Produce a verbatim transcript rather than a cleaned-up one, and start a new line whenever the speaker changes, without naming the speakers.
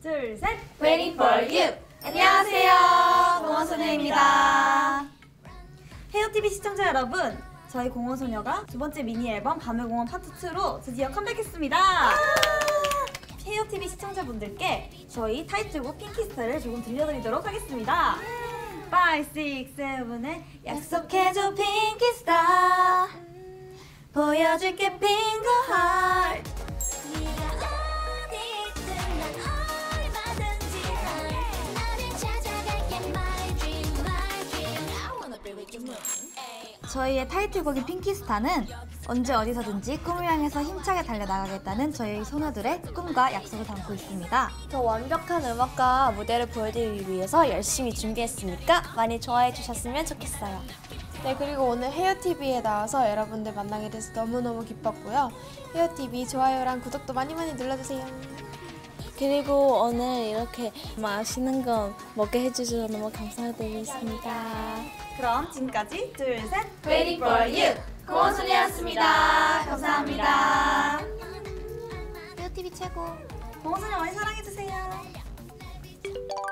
둘, 셋!
Waiting for you! 안녕하세요, 공원소녀입니다.
헤어티비 시청자 여러분, 저희 공원소녀가 두 번째 미니 앨범 밤의 공원 파트 투로 드디어 컴백했습니다. 헤어티비 시청자분들께 저희 타이틀곡 핑키스타를 조금 들려드리도록 하겠습니다. 오, 육, 칠의 약속해줘 핑키스타, 보여줄게 핑크 하트. 저희의 타이틀곡인 핑키스타는 언제 어디서든지 꿈을 향해서 힘차게 달려나가겠다는 저희 소녀들의 꿈과 약속을 담고 있습니다.
더 완벽한 음악과 무대를 보여드리기 위해서 열심히 준비했으니까 많이 좋아해 주셨으면 좋겠어요.
네, 그리고 오늘 헤어티비에 나와서 여러분들 만나게 돼서 너무너무 기뻤고요. 헤어티비 좋아요랑 구독도 많이 많이 눌러주세요.
그리고 오늘 이렇게 맛있는 거 먹게 해주셔서 너무 감사드리겠습니다.
그럼 지금까지 둘, 셋!
Waiting for you! 공원소녀였습니다. 감사합니다.
헤어티비 최고!
공원소녀 많이 사랑해주세요.